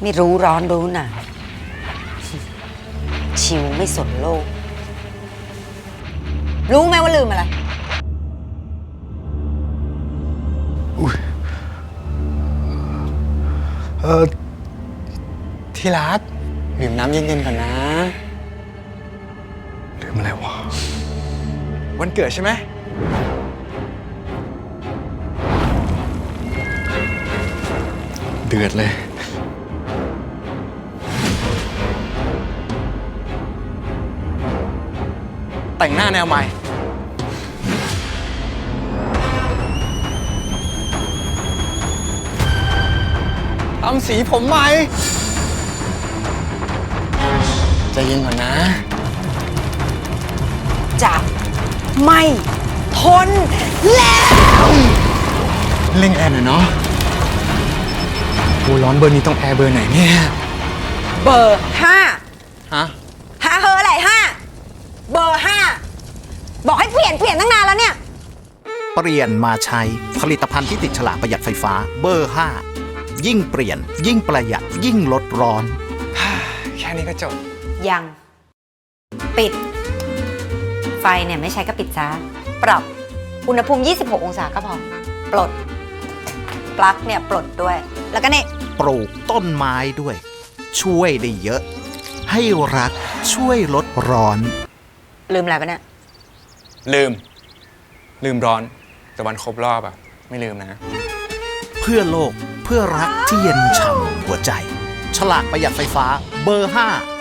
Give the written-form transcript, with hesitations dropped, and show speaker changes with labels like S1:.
S1: ไม่รู้ร้อนรู้หนาวชิวไม่สนโลก รู้ไหมว่าลืมอะไร
S2: ที่รักดื่มน้ำเย็นๆก่อนนะลืมอะไรวะวันเกิดใช่ไหมเดือดเลยแต่งหน้าแนวใหม่ทำสีผมใหม่ใจเย็นก่อนนะ
S1: จะไม่ทนแล้ว
S2: เร่งแอร์หน่อยเนาะโอ้ร้อนเบอร์นี้ต้องแอร์เบอร์ไหนเนี่ย
S1: เบอร์ห้า
S2: ฮะ
S1: หาเฮออะไรห้าเบอร์ห้าบอกให้เปลี่ยนตั้งนานแล้วเนี่ย
S3: เปลี่ยนมาใช้ผลิตภัณฑ์ที่ติดฉลากประหยัดไฟฟ้าเบอร์ 5 ยิ่งเปลี่ยนยิ่งประหยัดยิ่งลดร้อน
S2: แค่นี้ก็จบ
S1: ยัง ปิด ไฟเนี่ยไม่ใช้ก็ปิดซะปรับอุณหภูมิ 26 องศาก็พอ ปลด ปลั๊กเนี่ยปลดด้วย แล้วก็เนี่ย
S3: ปลูกต้นไม้ด้วย ช่วยได้เยอะ ให้รักช่วยลดร้อน
S1: ลืมอะไรปะเนี่ย
S2: ลืมร้อน แต่วันครบรอบอะไม่ลืมนะ
S3: เพื่อโลกเพื่อรักที่เย็นฉ่ำหัวใจ ฉลากประหยัดไฟฟ้าเบอร์ 5